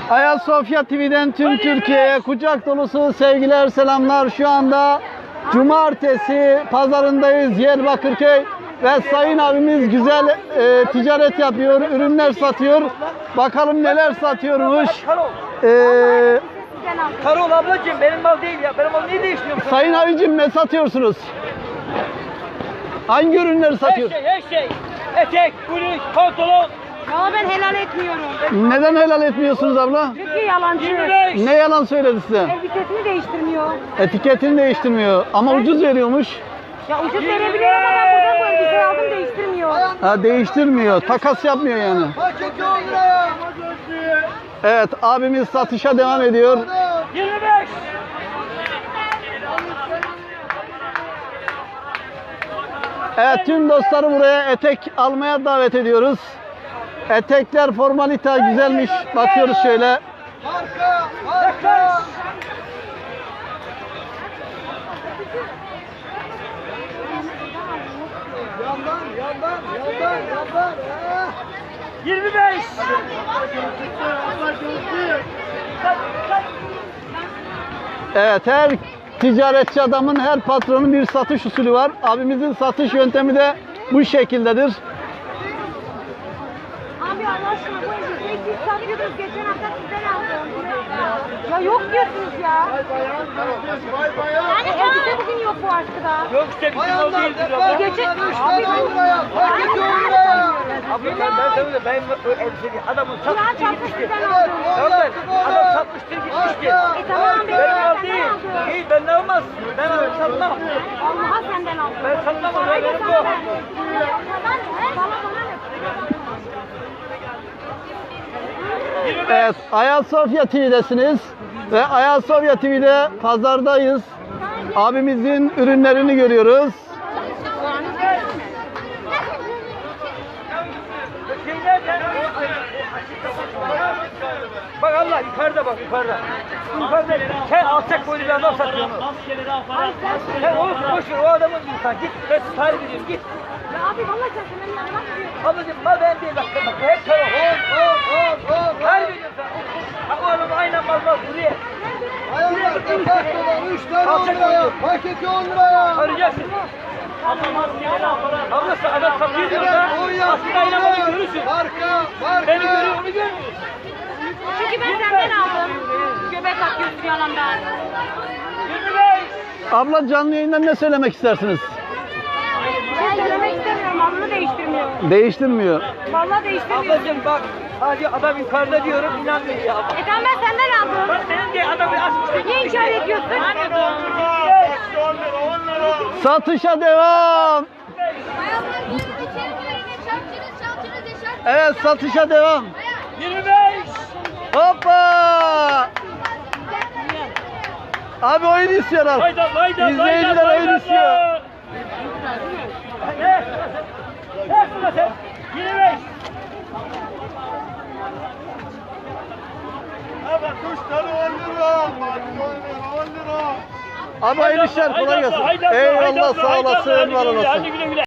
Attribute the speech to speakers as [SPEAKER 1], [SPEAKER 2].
[SPEAKER 1] Ayasofya TV'den tüm Türkiye'ye kucak dolusu sevgiler, selamlar. Şu anda Cumartesi pazarındayız, Diyarbakırköy, ve Sayın abimiz güzel ticaret yapıyor, ürünler satıyor. Bakalım neler satıyormuş.
[SPEAKER 2] Karol ablacığım, benim mal değil ya. Benim mal niye değiştiriyorsun?
[SPEAKER 1] Sayın abicim, ne satıyorsunuz? Hangi ürünleri satıyorsunuz?
[SPEAKER 2] Her şey. Etek, bluz, pantolon.
[SPEAKER 3] Ya ben helal etmiyorum.
[SPEAKER 1] Neden helal etmiyorsunuz abla?
[SPEAKER 3] Çünkü yalancı.
[SPEAKER 2] 25.
[SPEAKER 1] Ne yalan söyledi size?
[SPEAKER 3] Elbisesini değiştirmiyor.
[SPEAKER 1] Etiketini değiştirmiyor ama ucuz veriyormuş.
[SPEAKER 3] Ya ucuz verebiliyor ama ben buradan bu elbiseyi aldım değiştirmiyor.
[SPEAKER 1] Ha, değiştirmiyor, takas yapmıyor yani. Evet, abimiz satışa devam ediyor.
[SPEAKER 2] 25.
[SPEAKER 1] Evet, tüm dostları buraya etek almaya davet ediyoruz. Etekler formalite güzelmiş. Bakıyoruz şöyle.
[SPEAKER 2] Marka. 25.
[SPEAKER 1] Evet, her ticaretçi adamın, her patronun bir satış usulü var. Abimizin satış yöntemi de bu şekildedir.
[SPEAKER 3] Abi Allah aşkına bu elbiseyi siz satıyordunuz. Geçen hafta sizden aldım. Ya yok diyorsunuz ya. Yani elbise bugün yok bu askıda.
[SPEAKER 2] Yok işte bizim mal değildir abla.
[SPEAKER 3] Geçen... Abi
[SPEAKER 2] Ben o elbiseyi adamın
[SPEAKER 3] Kur'an
[SPEAKER 2] satmıştır
[SPEAKER 3] çarptı
[SPEAKER 2] gitmişti.
[SPEAKER 3] sizden aldım.
[SPEAKER 2] Tamam, adam satmıştır gitmişti.
[SPEAKER 3] Tamam
[SPEAKER 2] Benim mal
[SPEAKER 3] ben
[SPEAKER 2] değil.
[SPEAKER 3] aldım.
[SPEAKER 2] İyi, benden almaz. Ben satmam.
[SPEAKER 3] Allah'a senden aldım.
[SPEAKER 2] Ben satmam,
[SPEAKER 3] Parayı da
[SPEAKER 2] benim
[SPEAKER 3] sana
[SPEAKER 2] bu.
[SPEAKER 3] ver. Bana ne?
[SPEAKER 1] Evet, Ayasofya TV'desiniz ve Ayasofya TV'de pazardayız. Abimizin ürünlerini görüyoruz.
[SPEAKER 2] Bak Allah yukarıda bak yukarıda. Yukarıda sen alçak boylu bir adam satıyor onu. Sen olsun boş ver o adamın insan. Git ben tarif ediyorum git.
[SPEAKER 3] Ya abi vallahi sen senin yanına bakmıyorsun.
[SPEAKER 2] Ablacım mal ben değil bak hep taraf. Tarif ediyorum sana. Bak o adamı aynen mal buraya.
[SPEAKER 4] Ayağımda farklı var. 3 tane 10 liraya. Paketi 10 liraya.
[SPEAKER 2] Arayacaksın. Ablası adam satıyor diyor da aslında aynen malı görürsün.
[SPEAKER 4] Marka.
[SPEAKER 2] Beni görüyor onu görmüyor.
[SPEAKER 3] Çünkü ben senden aldım. Göbek atıyorsun yanımdan.
[SPEAKER 2] 25.
[SPEAKER 1] Abla, canlı yayından ne söylemek istersiniz?
[SPEAKER 3] Ben söylemek istemiyorum. Malını değiştirmiyor.
[SPEAKER 1] Değiştirmiyor.
[SPEAKER 3] Vallahi değiştirmiyor.
[SPEAKER 2] Ablacım bak sadece adam yukarıda diyorum inanmıyor ya.
[SPEAKER 3] Tamam ben senden aldım.
[SPEAKER 2] Bak senin diye adamı asmıştık.
[SPEAKER 3] Niye inkar ediyorsun?
[SPEAKER 1] Satışa devam. Evet, satışa devam.
[SPEAKER 2] 25.
[SPEAKER 1] Hoppa! Abi oyun istiyorlar.
[SPEAKER 2] Hayda.
[SPEAKER 1] İzleyiciler oyun istiyor.
[SPEAKER 2] Ne? Ne sen? 25.
[SPEAKER 4] Evet 3 tane 10 lira. 10 lira.
[SPEAKER 1] Abi hayırlı işler, kolay gelsin. Eyvallah, sağ olasın, var olasın.
[SPEAKER 2] Hadi güle güle.